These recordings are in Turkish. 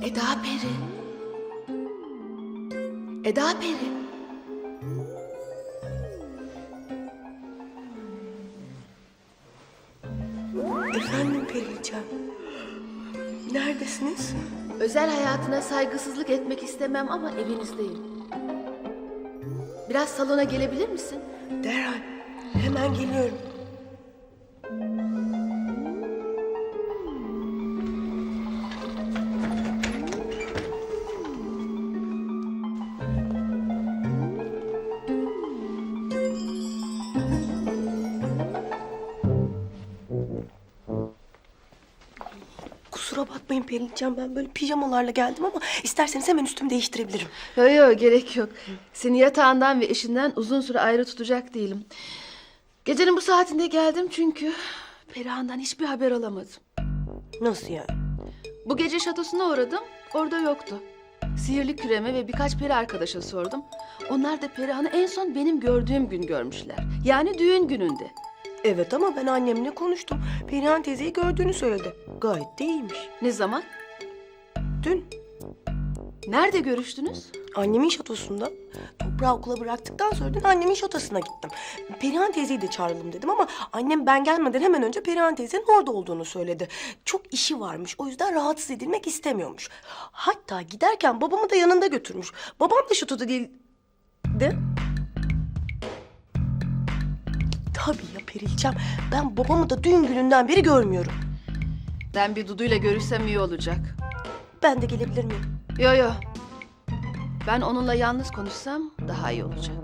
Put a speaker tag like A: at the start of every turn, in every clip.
A: Eda Peri. Eda Peri.
B: Efendim Periliçem. Neredesiniz?
A: Özel hayatına saygısızlık etmek istemem ama evinizdeyim. Biraz salona gelebilir misin?
B: Derhal. Hemen geliyorum. Kusura bakmayın Periliçem, ben böyle pijamalarla geldim ama isterseniz hemen üstümü değiştirebilirim.
A: Yok gerek yok. Seni yatağından ve eşinden uzun süre ayrı tutacak değilim. Gecenin bu saatinde geldim çünkü Perihan'dan hiçbir haber alamadım.
B: Nasıl yani?
A: Bu gece şatosuna uğradım, orada yoktu. Sihirli küreme ve birkaç peri arkadaşa sordum. Onlar da Perihan'ı en son benim gördüğüm gün görmüşler. Yani düğün gününde.
B: Evet ama ben annemle konuştum. Perihan teyzeyi gördüğünü söyledi. Gayet de iyiymiş.
A: Ne zaman?
B: Dün
A: Nerede görüştünüz?
B: annemin şatosunda. Toprağı okula bıraktıktan sonra dün annemin şatosuna gittim. Perihan teyzeyi de çağıralım dedim ama annem ben gelmeden hemen önce Perihan teyzenin orada olduğunu söyledi. Çok işi varmış, o yüzden rahatsız edilmek istemiyormuş. Hatta giderken babamı da yanında götürmüş. Babam da şatoda değildi. Tabii ya Perilçem, ben babamı da düğün gününden beri görmüyorum.
A: Ben bir Dudu'yla görüşsem iyi olacak.
B: Ben de gelebilir miyim?
A: Yo. Ben onunla yalnız konuşsam daha iyi olacak.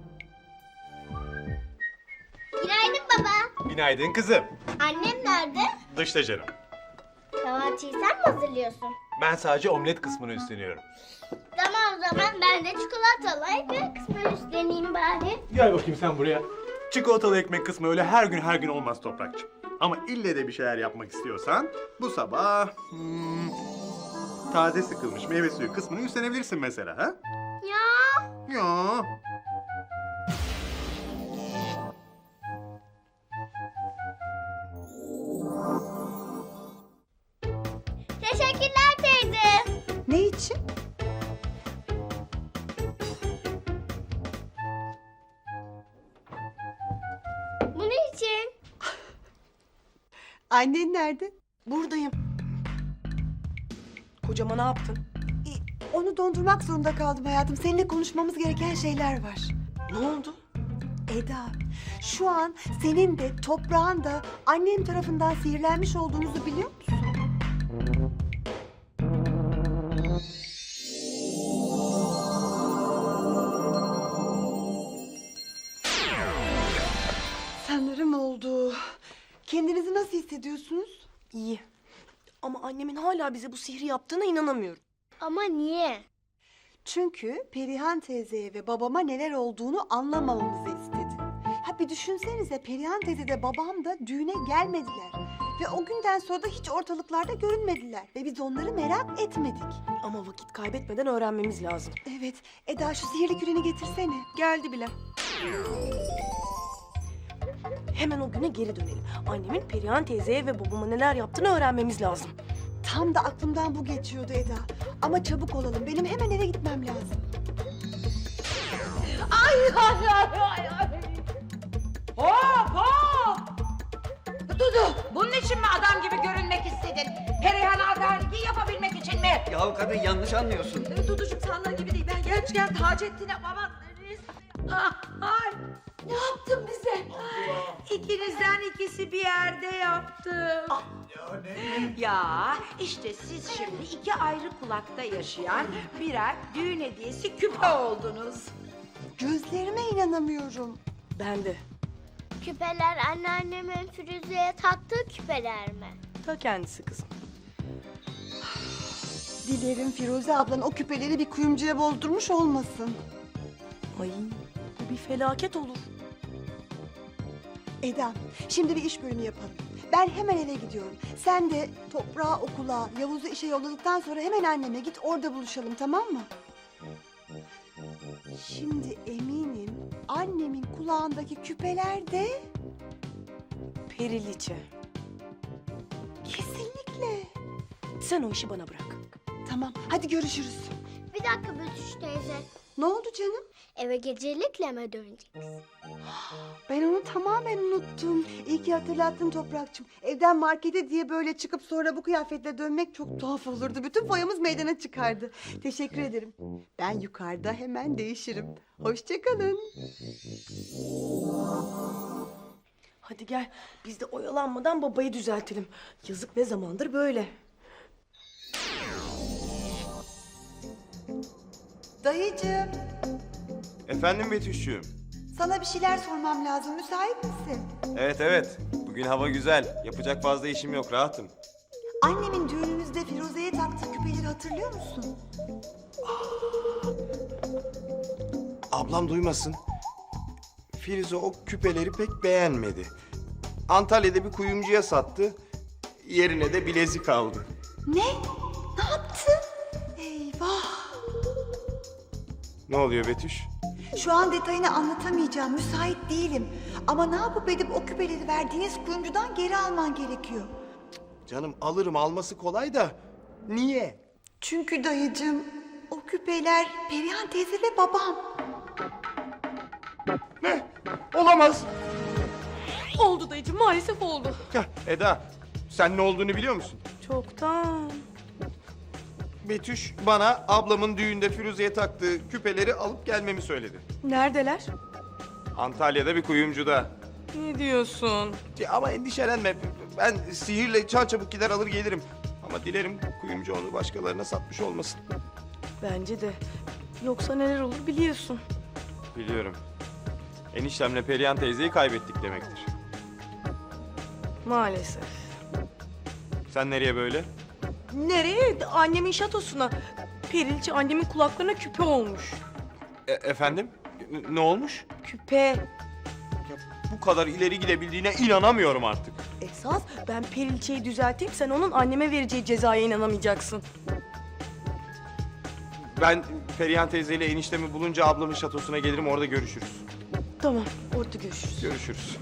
C: Günaydın baba.
D: Günaydın kızım.
C: Annem nerede?
D: Dışta canım.
C: Kahvaltıyı sen mi hazırlıyorsun?
D: Ben sadece omlet kısmını üstleniyorum.
C: Tamam o zaman ben de çikolatalı ekmek kısmını üstleneyim bari.
D: Gel bakayım sen buraya. Çikolatalı ekmek kısmı öyle her gün olmaz Toprakçığım. Ama ille de bir şeyler yapmak istiyorsan bu sabah taze sıkılmış meyve suyu kısmını üstlenebilirsin mesela ha?
C: Ya
D: Ya.
C: teşekkürler teyze.
E: Ne için?
C: Bunun için.
E: Annen nerede?
B: Buradayım. Kocama ne yaptın?
E: Onu dondurmak zorunda kaldım hayatım. Seninle konuşmamız gereken şeyler var.
B: Ne oldu?
E: Eda, şu an senin de toprağın da annem tarafından sihirlenmiş olduğunuzu biliyor musun? Sanırım oldu. Kendinizi nasıl hissediyorsunuz?
B: İyi. Ama annemin hala bize bu sihri yaptığına inanamıyorum.
C: Ama niye?
E: Çünkü Perihan teyzeye ve babama neler olduğunu anlamamamızı istedi. Ha bir düşünsenize, Perihan teyze de babam da düğüne gelmediler. Ve o günden sonra da hiç ortalıklarda görünmediler. Ve biz onları merak etmedik.
B: Ama vakit kaybetmeden öğrenmemiz lazım.
E: Evet, Eda şu sihirli küreni getirsene.
B: Geldi bile. Hemen o güne geri dönelim. Annemin Perihan teyzeye ve babama neler yaptığını öğrenmemiz lazım.
E: Tam da aklımdan bu geçiyordu Eda. Ama çabuk olalım, benim hemen eve gitmem lazım.
F: Hop hop! Dudu, bunun için mi adam gibi görünmek istedin? Perihan adaleti yapabilmek için mi?
G: Yahu kadın yanlış anlıyorsun.
F: Duducuğum sandığın gibi değil. Ben gerçekten Taceddin'e baban... Ay! Ne yaptın bize? İkinizden ikisi bir yerde yaptım. Ya işte siz şimdi iki ayrı kulakta yaşayan birer düğün hediyesi küpe oldunuz.
E: Gözlerime inanamıyorum.
B: Ben de.
C: Küpeler anneannemin Firuze'ye taktığı küpeler mi?
B: Ta kendisi kızım.
E: Dilerim Firuze ablan o küpeleri bir kuyumcuya bozdurmuş olmasın.
B: Ay bu bir felaket olur.
E: Eda, şimdi bir iş bölümü yapalım. Ben hemen eve gidiyorum. Sen de toprağı okula, Yavuz'u işe yolladıktan sonra hemen anneme git, orada buluşalım, tamam mı? Şimdi eminim annemin kulağındaki küpeler de
B: Periliçe.
E: kesinlikle.
B: Sen o işi bana bırak.
E: Tamam, hadi görüşürüz.
C: Bir dakika Betüş teyze.
E: Ne oldu canım?
C: Eve gecelikle mi döneceksin?
E: Ben onu tamamen unuttum. İyi ki hatırlattın Toprakçım. Evden markete diye böyle çıkıp sonra bu kıyafetle dönmek çok tuhaf olurdu. Bütün foyamız meydana çıkardı. Teşekkür ederim. Ben yukarıda hemen değişirim. Hoşça kalın.
B: Hadi gel biz de oyalanmadan babayı düzeltelim. Yazık ne zamandır böyle.
E: Dayıcığım,
G: Efendim Betüş'cüğüm.
E: sana bir şeyler sormam lazım. Müsait misin?
G: Evet. Bugün hava güzel. Yapacak fazla işim yok. Rahatım.
E: Annemin düğününüzde Firuze'ye taktığı küpeleri hatırlıyor musun?
G: Ablam duymasın. Firuze o küpeleri pek beğenmedi. Antalya'da bir kuyumcuya sattı. Yerine de bilezik aldı.
E: Ne? Ne yaptın? Eyvah!
G: Ne oluyor Betüş?
E: Şu an detayını anlatamayacağım. Müsait değilim. Ama ne yapıp edip o küpeleri verdiğiniz kuyumcudan geri alman gerekiyor.
G: Canım alırım, alması kolay da. Niye?
E: Çünkü dayıcığım, o küpeler Perihan teyze ve babam.
G: Ne? Olamaz.
B: Oldu dayıcığım maalesef oldu.
G: Heh, Eda, sen ne olduğunu biliyor musun?
B: Çoktan.
G: Betüş bana ablamın düğünde Firuze'ye taktığı küpeleri alıp gelmemi söyledi.
B: Neredeler?
G: Antalya'da bir kuyumcuda.
B: Ne diyorsun?
G: Ama endişelenme. Ben sihirle çarçabuk gider alır gelirim. Ama dilerim kuyumcu onu başkalarına satmış olmasın.
B: Bence de. Yoksa neler olur biliyorsun.
G: Biliyorum. Eniştemle Perihan teyzeyi kaybettik demektir.
B: Maalesef.
G: Sen nereye böyle?
B: Nereye? Annemin şatosuna. Perilçe annemin kulaklarına küpe olmuş.
G: Efendim? Ne olmuş?
B: Küpe.
G: Ya, bu kadar ileri gidebildiğine inanamıyorum artık.
B: Esas ben Perilçe'yi düzelteyim, sen onun anneme vereceği cezaya inanamayacaksın.
G: Ben Perihan teyzeyle eniştemi bulunca ablamın şatosuna gelirim, orada görüşürüz.
B: Tamam, orada görüşürüz.
G: Görüşürüz.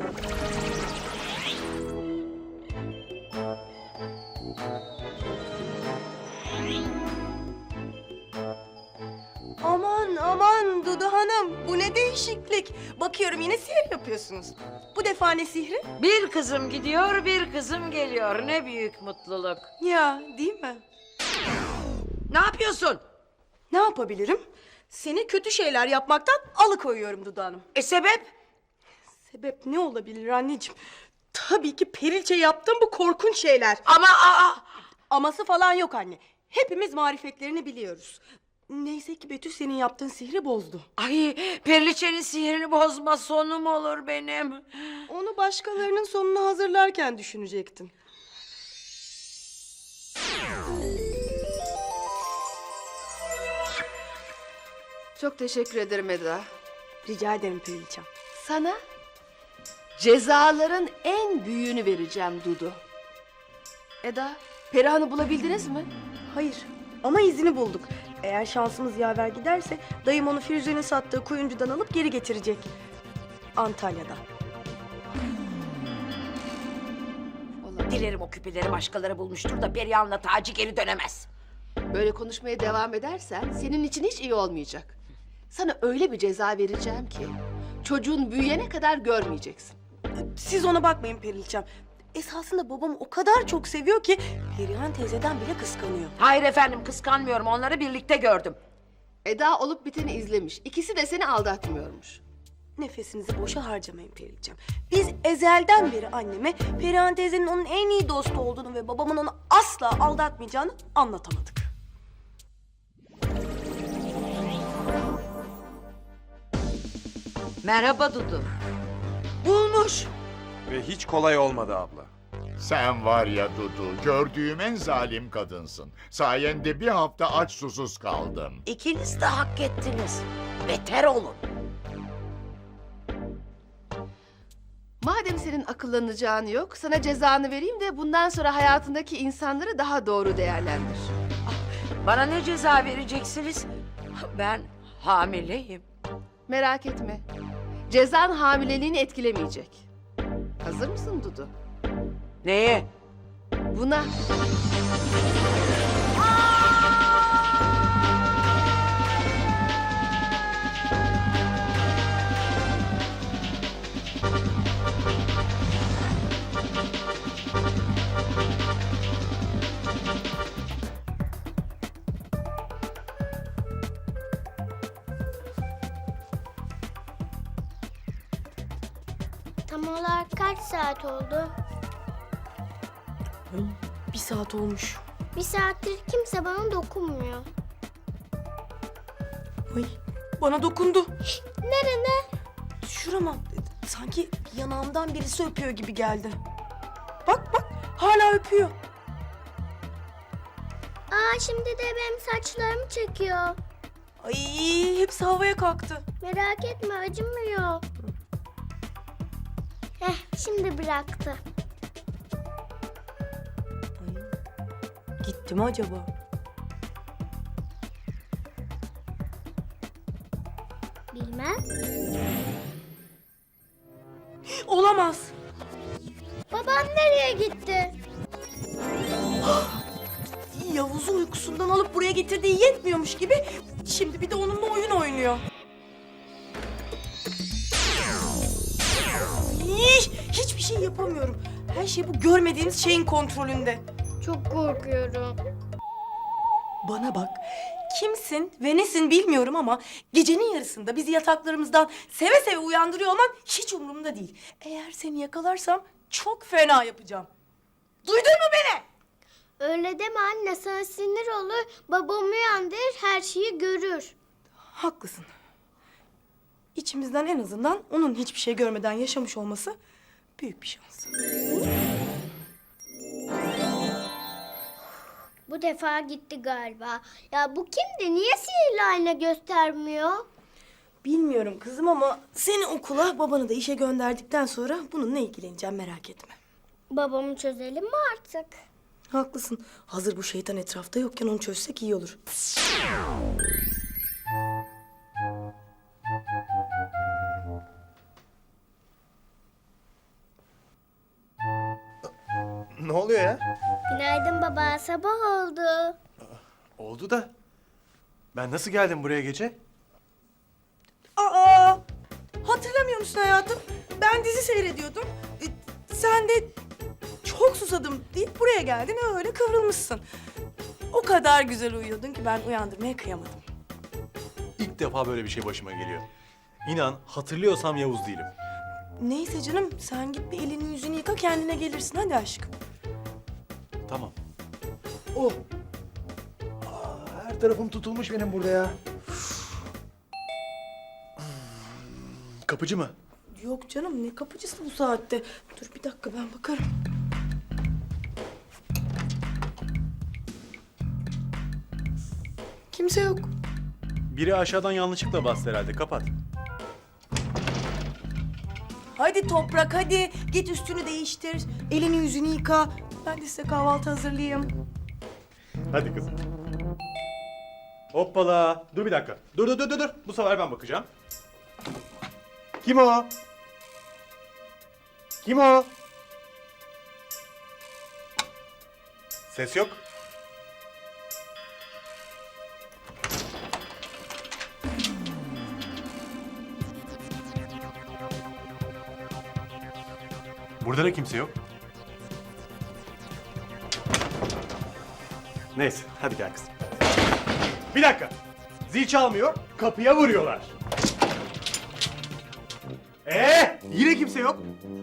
B: Aman Dudu Hanım, bu ne değişiklik. Bakıyorum yine sihir yapıyorsunuz. Bu defa ne sihri?
F: Bir kızım gidiyor, bir kızım geliyor. Ne büyük mutluluk.
B: Ya, değil mi?
F: Ne yapıyorsun?
B: Ne yapabilirim? Seni kötü şeyler yapmaktan alıkoyuyorum Dudu Hanım.
F: Sebep?
B: Sebep ne olabilir anneciğim? Tabii ki Perilçe yaptığım bu korkunç şeyler.
F: Ama
B: Aması falan yok anne. Hepimiz marifetlerini biliyoruz. Neyse ki Betül senin yaptığın sihri bozdu.
F: Ay, Perliçe'nin sihirini bozma, sonum olur benim.
B: Onu başkalarının sonunu hazırlarken düşünecektin. Çok teşekkür ederim Eda.
E: Rica ederim Perilçem.
A: Sana cezaların en büyüğünü vereceğim Dudu. Eda, Perihan'ı bulabildiniz mi?
B: Hayır ama izini bulduk. Eğer şansımız yaver giderse dayım onu Firuze'nin sattığı kuyumcudan alıp geri getirecek. Antalya'da.
F: Dilerim o küpeleri başkaları bulmuştur da Perihan'la Taci geri dönemez.
A: Böyle konuşmaya devam edersen senin için hiç iyi olmayacak. Sana öyle bir ceza vereceğim ki çocuğun büyüyene kadar görmeyeceksin.
B: Siz ona bakmayın Perilçem. Esasında babamı o kadar çok seviyor ki Perihan teyzeden bile kıskanıyor.
F: Hayır efendim, kıskanmıyorum. Onları birlikte gördüm.
A: Eda olup biteni izlemiş. İkisi de seni aldatmıyormuş.
B: Nefesinizi boşa harcamayın Perilçem. Biz ezelden beri anneme Perihan teyzenin onun en iyi dostu olduğunu ve babamın onu asla aldatmayacağını anlatamadık.
F: Merhaba Dudu.
B: Bulmuş.
G: Ve hiç kolay olmadı abla.
H: Sen var ya Dudu, gördüğüm en zalim kadınsın. Sayende bir hafta aç susuz kaldım.
F: İkiniz de hak ettiniz. Beter olun.
A: Madem senin akıllanacağın yok, sana cezanı vereyim de bundan sonra hayatındaki insanları daha doğru değerlendir.
F: Bana ne ceza vereceksiniz? Ben hamileyim.
A: Merak etme. Cezan hamileliğini etkilemeyecek. Hazır mısın Dudu?
F: Neye?
A: Buna.
C: olarak kaç saat oldu?
B: Ay, 1 saat olmuş.
C: Bir saattir kimse bana dokunmuyor.
B: Ay, bana dokundu.
C: Nerede?
B: Şurama. Sanki yanağımdan birisi öpüyor gibi geldi. Bak bak, hala öpüyor.
C: Aa, şimdi de benim saçlarımı çekiyor.
B: Ay, hepsi havaya kalktı.
C: Merak etme, acımıyor. Şimdi bıraktı.
B: Ay, gitti mi acaba?
C: Bilmem.
B: Olamaz.
C: Babam nereye gitti?
B: Yavuz'u uykusundan alıp buraya getirdiği yetmiyormuş gibi şimdi bir de onunla oyun oynuyor. Hiçbir şey yapamıyorum. Her şey bu görmediğimiz şeyin kontrolünde.
C: Çok korkuyorum.
B: Bana bak. Kimsin ve nesin bilmiyorum ama gecenin yarısında bizi yataklarımızdan seve seve uyandırıyor olman hiç umurumda değil. Eğer seni yakalarsam çok fena yapacağım. Duydun mu beni?
C: Öyle deme anne, sana sinir olur. Babam uyandırır, her şeyi görür.
B: Haklısın. İçimizden en azından onun hiçbir şey görmeden yaşamış olması büyük bir şans.
C: Bu defa gitti galiba. Ya bu kimdi? Niye sihirli ayna göstermiyor?
B: Bilmiyorum kızım ama seni okula, babanı da işe gönderdikten sonra bununla ilgileneceğim, merak etme.
C: Babamı çözelim mi artık?
B: Haklısın. Hazır bu şeytan etrafta yokken onu çözsek iyi olur.
D: Ne oluyor ya?
C: Günaydın baba, sabah oldu.
D: Oldu da. Ben nasıl geldim buraya gece?
B: Aa! Hatırlamıyor musun hayatım? Ben dizi seyrediyordum. Sen de çok susadım deyip buraya geldin, öyle kıvrılmışsın. O kadar güzel uyuyordun ki ben uyandırmaya kıyamadım.
D: İlk defa böyle bir şey başıma geliyor. İnan hatırlıyorsam Yavuz değilim.
B: Neyse canım, sen git bir elini yüzünü yıka, kendine gelirsin hadi aşkım.
D: Tamam. Oh. Her tarafım tutulmuş benim burada ya. Kapıcı mı?
B: Yok canım, ne kapıcısı bu saatte? Dur bir dakika, ben bakarım. Kimse yok.
D: Biri aşağıdan yanlışlıkla bastı herhalde. Kapat.
B: Hadi Toprak, hadi. Git üstünü değiştir, elini yüzünü yıka. Ben de size kahvaltı hazırlayayım.
D: Hadi kızım. Hoppala. Dur bir dakika. Dur. Bu sefer ben bakacağım. Kim o? Kim o? Ses yok. Burada da kimse yok. Neyse, hadi gel kızım. Bir dakika. Zil çalmıyor, kapıya vuruyorlar. Yine kimse yok.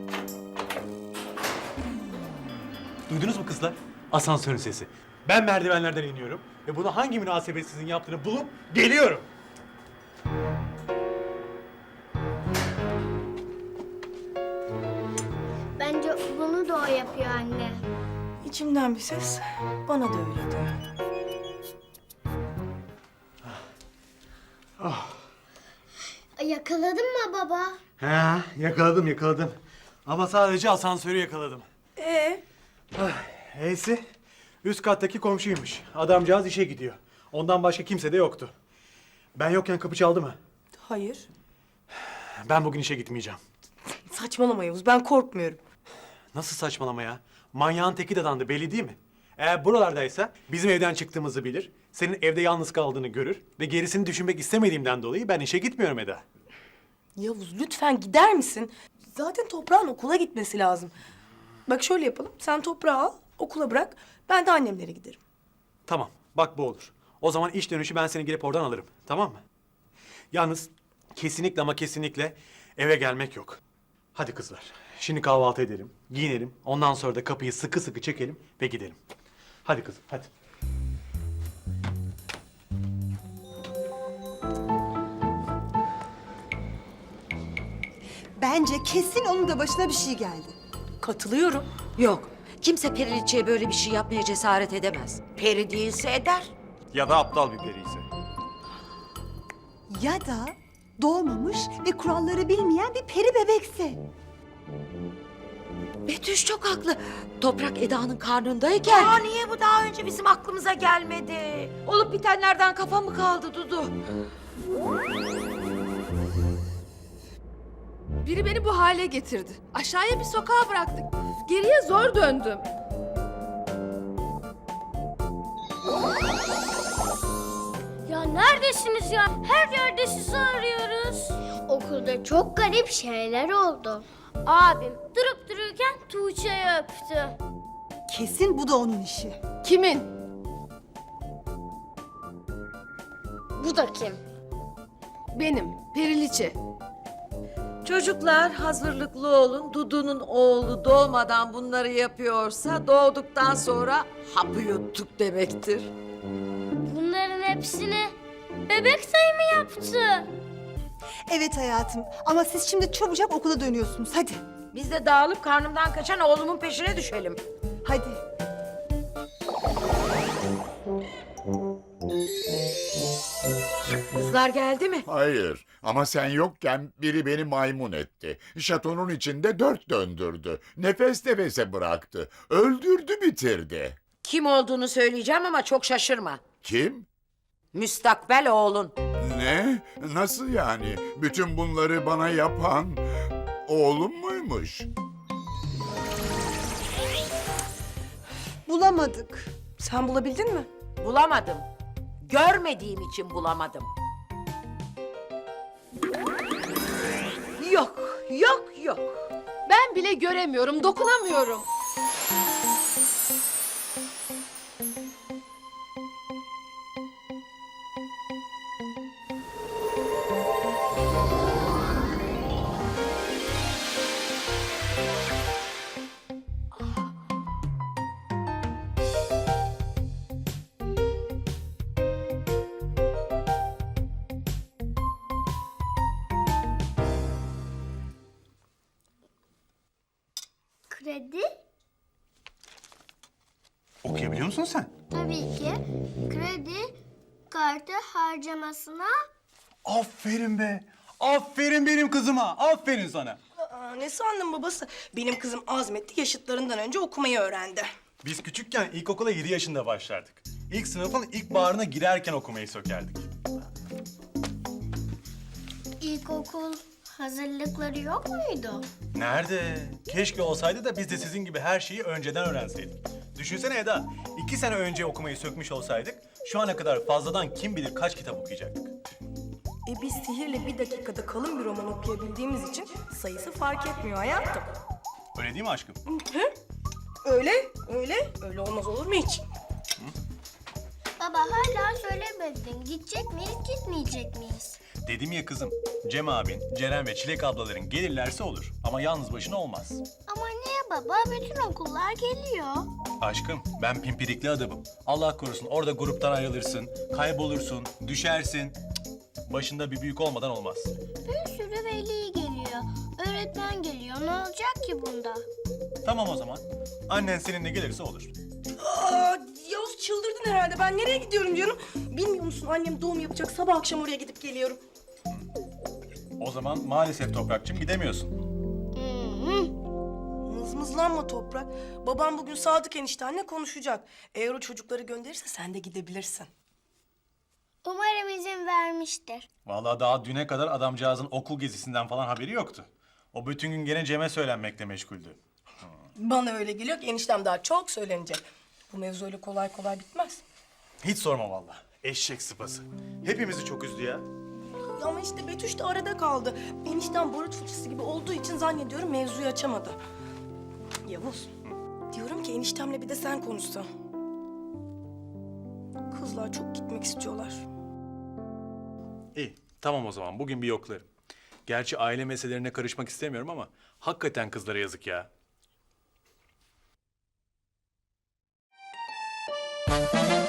D: Duydunuz mu kızlar? Asansörün sesi. Ben merdivenlerden iniyorum ve bunu hangi münasebetsizin yaptığını bulup geliyorum.
C: Bence bunu da o yapıyor anne.
B: İçimden bir ses bana da öyle diyor.
C: Yakaladın mı baba?
D: He, yakaladım. Ama sadece asansörü yakaladım. Neyse, üst kattaki komşuymuş. Adamcağız işe gidiyor. Ondan başka kimse de yoktu. Ben yokken kapı çaldı mı?
B: Hayır.
D: Ben bugün işe gitmeyeceğim.
B: Saçmalama Yavuz, ben korkmuyorum.
D: Nasıl saçmalama ya? Manyağın teki dadandı, belli değil mi? Eğer buralardaysa bizim evden çıktığımızı bilir, senin evde yalnız kaldığını görür ve gerisini düşünmek istemediğimden dolayı ben işe gitmiyorum Eda.
B: Yavuz lütfen gider misin? Zaten Toprağın okula gitmesi lazım. Bak şöyle yapalım, sen Toprağı al, okula bırak. Ben de annemlere giderim.
D: Tamam, bak bu olur. O zaman iş dönüşü ben seni gelip oradan alırım, tamam mı? Yalnız kesinlikle ama kesinlikle eve gelmek yok. Hadi kızlar, Şimdi kahvaltı edelim, giyinelim. Ondan sonra da kapıyı sıkı sıkı çekelim ve gidelim. Hadi kızım, hadi.
E: Bence kesin onun da başına bir şey geldi.
B: Katılıyorum.
F: Yok. Kimse Periliçe'ye böyle bir şey yapmaya cesaret edemez. Peri değilse eder.
G: Ya da aptal bir peri ise.
E: Ya da doğmamış ve kuralları bilmeyen bir peri bebekse.
F: Betüş çok haklı. Toprak Eda'nın karnındayken... niye bu daha önce bizim aklımıza gelmedi? Olup bitenlerden kafa mı kaldı Dudu?
A: Biri beni bu hale getirdi. Aşağıya bir sokağa bıraktık. Geriye zor döndüm.
C: Ya neredesiniz ya? Her yerde sizi arıyoruz. Okulda çok garip şeyler oldu. Abim durup dururken Tuğçe'yi öptü.
E: Kesin bu da onun işi.
A: Kimin?
C: Bu da kim?
A: Benim. Periliçe.
F: Çocuklar hazırlıklı olun. Dudu'nun oğlu doğmadan bunları yapıyorsa doğduktan sonra hapı yuttuk demektir.
C: Bunların hepsini bebek sayı mı yaptı?
E: Evet hayatım ama siz şimdi çabucak okula dönüyorsunuz. Hadi.
F: Biz de dağılıp karnımdan kaçan oğlumun peşine düşelim.
E: Hadi.
F: Kızlar geldi mi?
H: Hayır ama sen yokken biri beni maymun etti. Şatonun içinde 4 döndürdü. Nefes nefese bıraktı. Öldürdü bitirdi.
F: Kim olduğunu söyleyeceğim ama çok şaşırma.
H: Kim?
F: Müstakbel oğlun.
H: Ne? Nasıl yani? Bütün bunları bana yapan oğlum muymuş?
E: Bulamadık.
B: Sen bulabildin mi?
F: Bulamadım. Görmediğim için bulamadım. Yok, yok, yok.
A: Ben bile göremiyorum, dokunamıyorum.
C: Kredi?
D: Okuyabiliyor musun sen?
C: Tabii ki. Kredi kartı harcamasına
D: Aferin be. Aferin benim kızıma. Aferin sana.
B: Ne sandın babası? Benim kızım azmetti, yaşıtlarından önce okumayı öğrendi.
D: Biz küçükken ilkokula 7 yaşında başlardık. İlk sınıfın ilk bağrına girerken okumayı sökerdik.
C: ilkokul hazırlıkları yok muydu?
D: Nerede? Keşke olsaydı da biz de sizin gibi her şeyi önceden öğrenseydik. Düşünsene Eda, 2 sene önce okumayı sökmüş olsaydık, şu ana kadar fazladan kim bilir kaç kitap okuyacaktık.
B: Biz sihirle bir dakikada kalın bir roman okuyabildiğimiz için sayısı fark etmiyor hayatım.
D: Öyle değil mi aşkım?
B: Öyle olmaz olur mu hiç?
C: Baba hala söylemedin. Gidecek miyiz, gitmeyecek miyiz?
D: Dedim ya kızım, Cem abin, Ceren ve Çilek ablaların gelirlerse olur. Ama yalnız başına olmaz.
C: Ama niye baba? Bütün okullar geliyor.
D: Aşkım, ben pimpirikli adamım. Allah korusun orada gruptan ayrılırsın, kaybolursun, düşersin. Cık, başında bir büyük olmadan olmaz.
C: Bir sürü veli geliyor. Öğretmen geliyor. Ne olacak ki bunda?
D: Tamam o zaman. Annen seninle gelirse olur.
B: Yavuz çıldırdın herhalde. Ben nereye gidiyorum canım? Bilmiyor musun annem doğum yapacak. Sabah akşam oraya gidip geliyorum.
D: O zaman maalesef Toprakçım gidemiyorsun.
B: Mızmızlanma Toprak. Babam bugün Sadık eniştenle konuşacak. Eğer o çocukları gönderirse sen de gidebilirsin.
C: Umarım izin vermiştir.
D: Vallahi daha düne kadar adamcağızın okul gezisinden falan haberi yoktu. O bütün gün gene Cem'e söylenmekle meşguldü.
B: Bana öyle geliyor ki eniştem daha çok söylenecek. Bu mevzu öyle kolay kolay bitmez.
D: Hiç sorma vallahi. Eşek sıpası. Hepimizi çok üzdü ya.
B: Ama işte Betüş de arada kaldı. Eniştem barut fıçısı gibi olduğu için zannediyorum mevzuyu açamadı. Yavuz, diyorum ki eniştemle bir de sen konuşsan. Kızlar çok gitmek istiyorlar.
D: İyi, tamam o zaman. Bugün bir yoklarım. Gerçi aile meselelerine karışmak istemiyorum ama hakikaten kızlara yazık ya.